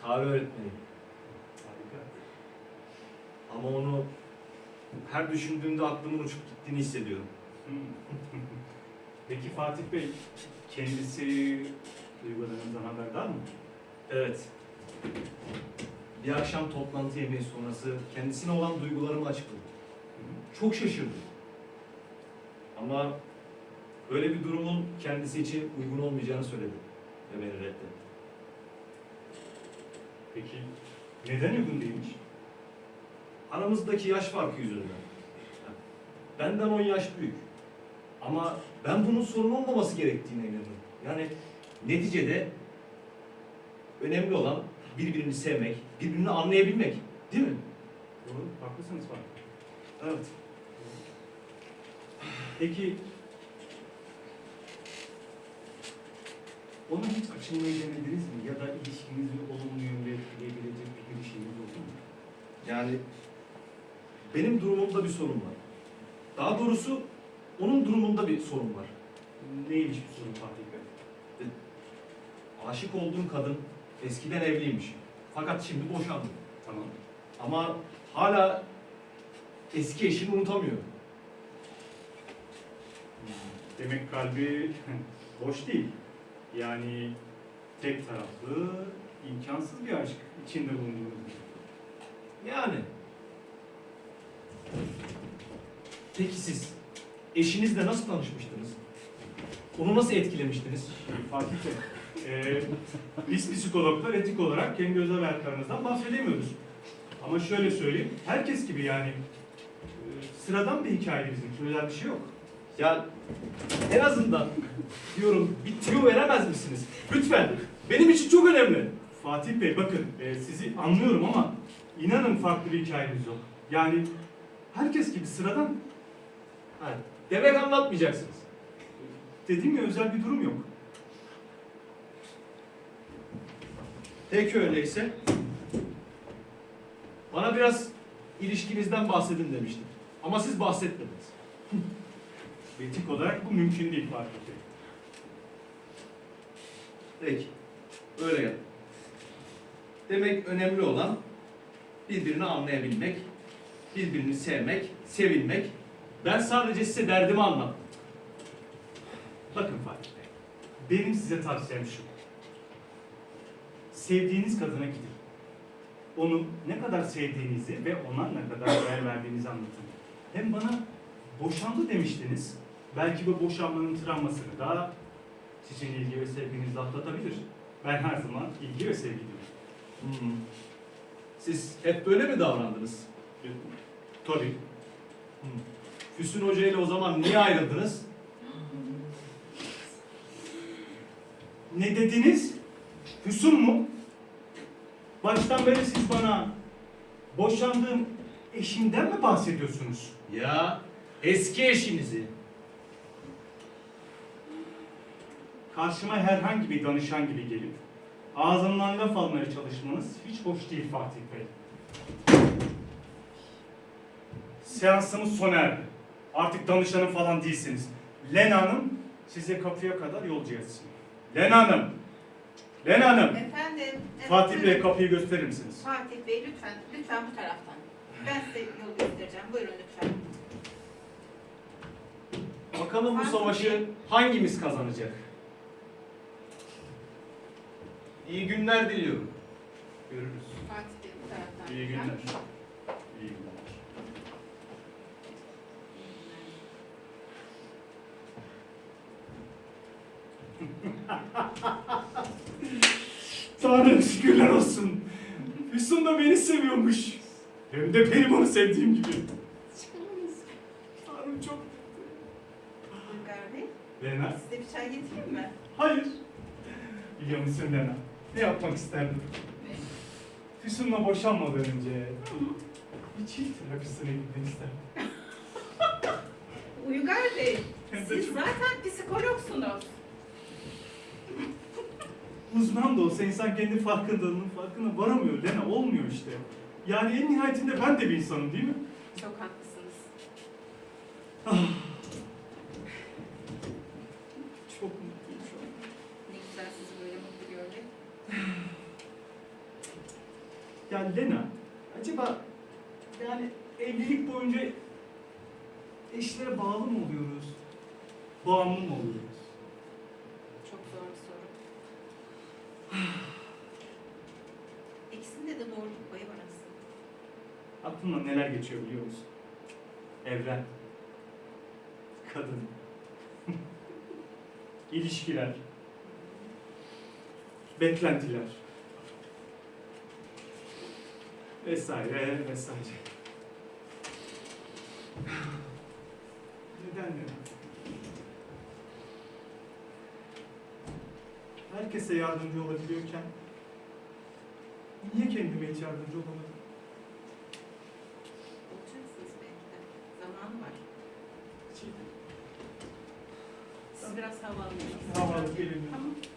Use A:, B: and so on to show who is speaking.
A: Tarih öğretmeniyim.
B: Harika.
A: Ama onu her düşündüğümde aklımın uçup gittiğini hissediyorum.
B: Peki Fatih Bey, kendisi duygularınızdan haberdar mı?
A: Evet. Bir akşam toplantı yemeği sonrası kendisine olan duygularımı açıkladım. Çok şaşırdım. Ama böyle bir durumun kendisi için uygun olmayacağını söyledi ve beni reddetti.
B: Peki neden uygun değilmiş?
A: Aramızdaki yaş farkı yüzünden. Benden 10 yaş büyük. Ama ben bunun sorun olmaması gerektiğine inanıyorum. Yani neticede önemli olan birbirini sevmek, birbirini anlayabilmek. Değil mi?
B: Doğru, haklısınız Fatih.
A: Evet.
B: Peki ona hiç açılmayı denediniz mi? Ya da ilişkinizi olumlu yönde etkileyebilecek bir girişiminiz oldu mu?
A: Yani benim durumumda bir sorun var. Daha doğrusu onun durumunda bir sorun var.
B: Neymiş bu sorun Fatih Bey?
A: Aşık olduğum kadın eskiden evliymiş. Fakat şimdi boşandı.
B: Tamam.
A: Ama hala eski eşini unutamıyor.
B: Demek kalbi boş değil. Yani tek taraflı, imkansız bir aşk içinde bulunduğunuz gibi.
A: Yani. Peki siz eşinizle nasıl tanışmıştınız? Onu nasıl etkilemiştiniz?
B: Fatih Bey, biz psikologlar etik olarak kendi özel hayatlarımızdan bahsedemiyoruz. Ama şöyle söyleyeyim, herkes gibi yani sıradan bir hikaye bizim, özel bir şey yok.
A: Ya en azından diyorum bir tüyo veremez misiniz? Lütfen. Benim için çok önemli.
B: Fatih Bey bakın, sizi anlıyorum ama inanın farklı bir hikayemiz yok. Yani herkes gibi sıradan.
A: Ha, demek anlatmayacaksınız.
B: Dediğim ya özel bir durum yok.
A: Peki öyleyse. Bana biraz ilişkinizden bahsedin demiştim. Ama siz bahsetmediniz.
B: Etik olarak bu mümkün değil Fatih Bey.
A: Peki. Öyle yap. Demek önemli olan birbirini anlayabilmek, birbirini sevmek, sevilmek. Ben sadece size derdimi anlattım.
B: Bakın Fatih Bey, benim size tavsiyem şu. Sevdiğiniz kadına gidin. Onu ne kadar sevdiğinizi ve ona ne kadar değer verdiğinizi anlatın. Hem bana boşandı demiştiniz. Belki bu boşanmanın travmasını da sizin ilgi ve sevginizle atlatabilir. Ben her zaman ilgi ve sevgi diyorum.
A: Siz hep böyle mi davrandınız?
B: Tabii.
A: Füsun Hoca ile o zaman niye ayrıldınız?
B: Ne dediniz? Füsun mu? Baştan beri siz bana boşandığım eşimden mi bahsediyorsunuz?
A: Ya eski eşinizi.
B: Karşıma herhangi bir danışan gibi gelip ağzımdan laf almaya çalışmanız hiç hoş değil Fatih Bey. Seansımız sona erdi. Artık danışanım falan değilsiniz. Lena Hanım size kapıya kadar yolcu etsin. Lena Hanım! Lena Hanım!
C: Efendim. Evet,
B: Fatih Bey
C: buyurun.
B: kapıyı gösterir misiniz?
C: Fatih Bey lütfen, lütfen bu taraftan. Ben size yol göstereceğim. Buyurun lütfen.
A: Bakalım bu savaşı hangimiz kazanacak? İyi günler diliyorum.
B: Görürüz.
C: Fatih Bey bu taraftan.
B: İyi günler.
C: lütfen.
B: İyi günler. Tanrım şükürler olsun. Füsun da beni seviyormuş. Hem de benim onu sevdiğim gibi. Tanrım çok...
C: Uygar Bey,
B: Lena?
C: size bir çay getireyim mi?
B: Hayır. Biliyor musun Lena? Ne yapmak isterdim? Füsun'la boşanmadan önce bir çift terapisine gitmek isterdim.
C: Uygar Bey,
B: Hem de
C: siz
B: çok-
C: zaten psikologsunuz.
B: Uzman da olsa insan kendi farkındalığının farkına varamıyor Lena. Olmuyor işte. Yani en nihayetinde ben de bir insanım değil mi?
C: Çok haklısınız.
B: Çok mutluyum şu an.
C: Ne güzel sizi böyle mutlu görmek.
B: Ya Lena, acaba yani evlilik boyunca eşlere bağlı mı oluyoruz? Bağımlı mı oluyoruz?
C: Çok zor bir soru. İkisinde de doğruluk payı var aslında.
B: Aklımdan neler geçiyor biliyor musun? Evren, kadın, ilişkiler, beklentiler vesaire vesaire. Neden neden? Herkese yardımcı olabiliyorken niye kendime hiç yardımcı olamadım?
C: Olacaksınız belki de. Zamanı var.
B: Hiç-
C: Siz biraz hava alın.
B: Hava alıp gelelim.
C: Tamam.